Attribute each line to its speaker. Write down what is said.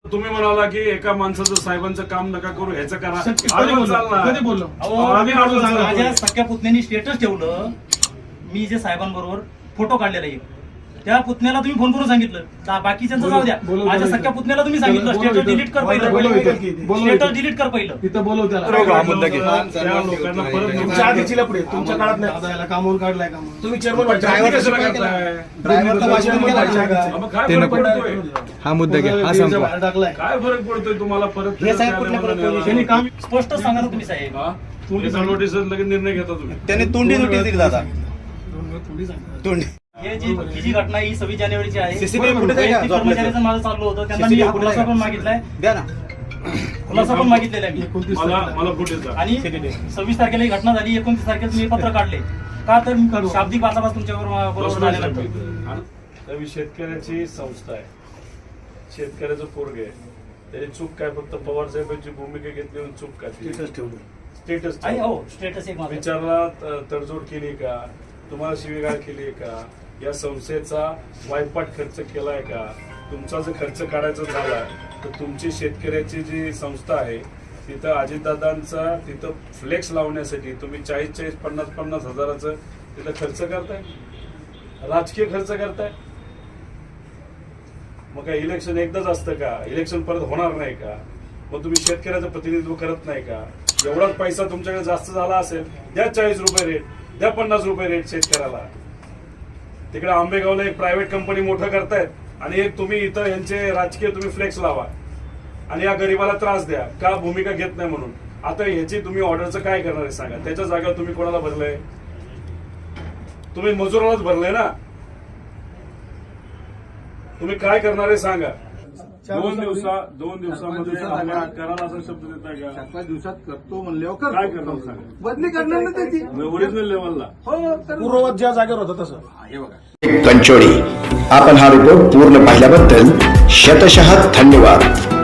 Speaker 1: तुम्ही म्हणाला की एका माणसाचं साहेबांचं काम नका करू ह्याचं करा.
Speaker 2: कधी बोललो?
Speaker 3: माझ्या सख्या पुतण्यानी स्टेटस ठेवलं, मी जे साहेबांबरोबर फोटो काढलेला आहे त्या पुतण्याला तुम्ही फोन करून सांगितलं. बाकीच्यांचं जाऊ द्या, माझ्या सख्या पुतण्याला तुम्ही सांगितलं स्टेटस डिलीट कर पहिलं, स्टेटस डिलीट कर पहिलं.
Speaker 2: तिथं बोलव त्याला. तुमच्या आधीची लपडी तुमच्या काळात नाही. आता याला कामावून काढलाय का? तुम्ही चेअरमन
Speaker 4: हा मुद्दा घ्या, हा संपवा.
Speaker 1: काय फरक पडतोय तुम्हाला परत?
Speaker 2: त्यांनी काम
Speaker 3: स्पष्ट सांगा ना तुम्ही साहेब.
Speaker 1: नोटीस लगेच निर्णय घेता तुम्ही.
Speaker 5: त्याने तोंडी नोटीस दिली दादा. तोंडी
Speaker 3: ही जी घटना ही 26 जानेवारीची आहे.
Speaker 5: CCTV फुटेज आहे का?
Speaker 3: कर्मचाऱ्यांचं माझं चाललं होतं, त्यांना मी खुलासा पण मागितलाय,
Speaker 5: द्या ना.
Speaker 3: खुलासा पण मागितलेला आहे मी.
Speaker 1: मला फुटेज द्या.
Speaker 3: आणि 26 तारखेला ही घटना झाली, 29 तारखेला तुम्ही पत्र काढले का? तर शाब्दिक वादापास तुमच्याबरोबर झालेला आहे.
Speaker 1: शेतकऱ्याची संस्था आहे, शेतकऱ्याचं पोरग आहे, त्याची चूक काय? फक्त पवार साहेबांची भूमिका घेतली म्हणून चूक काय? स्टेटस
Speaker 3: आणि हो स्टेटस एक माझा.
Speaker 1: विचारला तडजोड केली का? तुम्हाला शिवीगाळ केली का? या संस्थेचा वायपाट खर्च केलाय का? तुमचा जर खर्च काढायचा झाला तर तुमची शेतकऱ्याची जी संस्था आहे तिथं अजितदादांचा तिथं फ्लेक्स लावण्यासाठी तुम्ही 40-50 हजाराचं तिथं खर्च करताय, राजकीय खर्च करताय. मग काय इलेक्शन एकदाच असतं का? इलेक्शन परत होणार नाही का? मग तुम्ही शेतकऱ्याचं प्रतिनिधित्व करत नाही का? एवढाच पैसा तुमच्याकडे जास्त झाला असेल, द्या 40 रुपये रेट, द्या 50 रुपये रेट शेतकऱ्याला. तिकडे आंबेगावला एक प्रायव्हेट कंपनी मोठं करतायत आणि एक तुम्ही इथं यांचे राजकीय तुम्ही फ्लेक्स लावा आणि या गरीबाला त्रास द्या का? भूमिका घेत नाही म्हणून. आता ह्याची तुम्ही ऑर्डरचं काय करणार आहे सांगा? त्याच्या जागेवर तुम्ही कोणाला भरलंय? तुम्ही मजुरालाच भरलंय ना. तुम्ही काय करणार आहे सांगा? 2 दिवसामध्ये कराल असा शब्द देताय का?
Speaker 2: 7 दिवसात करतो म्हणल्यावर
Speaker 1: काय करणार सांगा?
Speaker 2: बदली करणार ना त्याची
Speaker 1: ओरिजिनल लेवलला.
Speaker 2: पूर्ववत ज्या जागेवर होतं तसं. हे बघा
Speaker 6: कंचोळी, आपण हा रिपोर्ट पूर्ण पाहिल्याबद्दल शतशः धन्यवाद.